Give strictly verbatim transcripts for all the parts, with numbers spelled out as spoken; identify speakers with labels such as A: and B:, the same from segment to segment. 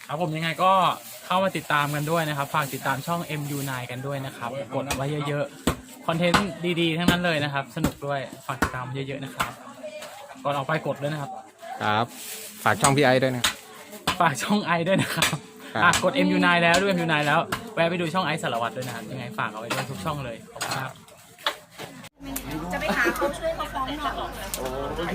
A: ครับผมยังไงก็เข้ามาติดตามกันด้วยนะครับฝากติดตามช่อง เอ็ม ยู ไนน์ กันด้วยนะครับกดไว้เยอะๆคอนเทนต์ดีๆทั้งนั้นเลยนะครับสนุกด้วยฝากติดตามเยอะๆนะครับก่อนออกไปกดด้วยนะครับ
B: ครับฝากช่องพี่ไอ้ด้วยนะ
A: ฝากช่องไอด้วยนะครับ
B: ครับ
A: อ่ะกด เอ็ม ยู ไนน์ แล้วด้วย เอ็ม ยู ไนน์ แล้วแวะไปดูช่องไอสารวัตรด้วยนะครับยังไงฝากเอาไว้ด้วยทุกช่องเลยขอบคุณครับ
C: จะไปหาเขาช่วยเขาฟ้องหน่อย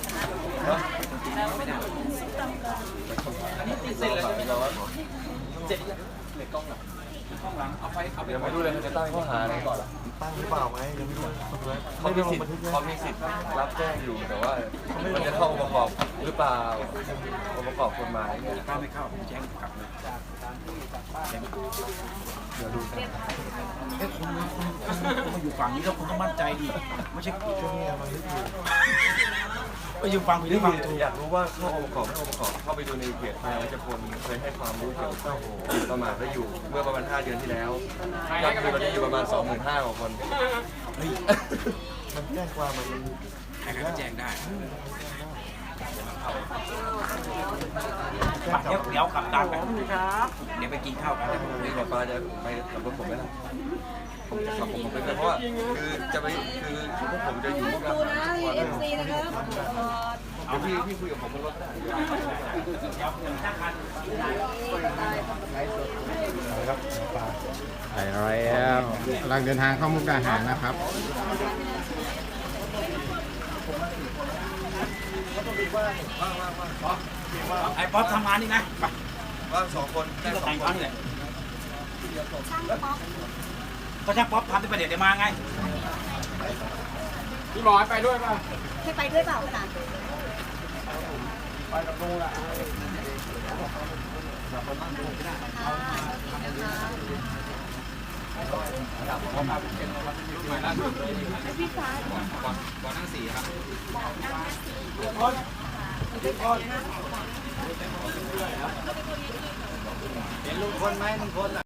D: ยังไม่รู้เลยจะตั้งข้อหาอะไรก่อน
E: ตั้งหรือเปล่าไหมยังไม่รู้
D: เขามีสิทธิ์เขามีสิทธิ์รับแจ้งอยู่แต่ว่ามันจะเข้าองค์ประกอบหรือเปล่าองค์ประกอบกฎหมายเนี่ย
E: ถ้าไม่เข้าผมแจ้งกลับเลยเดี๋ยวดูกันเอ้คุณคุณคุณมาอยู่ฝั่งนี้แล้วคุณต้องมั่นใจดิไม่ใช่ช่วงนี้มันไม่ถูกไปอยู่ฝั่งผิดหรือฝั่งถูก
D: อยากรู้ว่าเข้าองค์ประกอบไม่องค์ประกอบเข้าไปดูในเพจนายวัชพลเคยให้ความรู้เกี่ยวกับประมาทและอยู่เมื่อประมาณห้าเดือนที่แล้วยอดวิวตอนนี้อยู่ประมาณ สองหมื่นห้าพัน กว่าคน
E: เฮ้ยมันแจ้งความมันใครก็แจ้งได้เดี๋ยวเดี๋ยวกลับตามกันเดี๋ยวไปกินข้าวกัน
D: นี่หมอปลาจะไปขับรถผมไหมล่ะผมจะขับผมไปเลยเพราะว่าคือจะไปคือพวกผมจะอยู่กับ
C: ดูนะเอฟซีนะครับ
D: เอาพี่พี่คุยกับผมบนรถได้
B: ไปแล้วกำลังเดินทางเข้ามุกดาหารนะครับ
E: ไอ้ป๊อปทำงานนี่นะไป
D: ว่างสองคนได้
E: ที่
D: ส
E: ก็
D: อง
E: แต่ง
D: ค
E: งาน
D: น
E: นี่แหละ
C: ช่างป๊อป
E: ก็ช่างป๊อปทำที่ประเดี๋ยวเดี๋ยวมาไง
B: พี่บอยไปด้วยป่ะ
C: ให้ไปด้วยเปล่าคะ
B: ไปกับลุงละ
C: พี่ฟ้า
E: เห็นลุงคนไหมลุงคน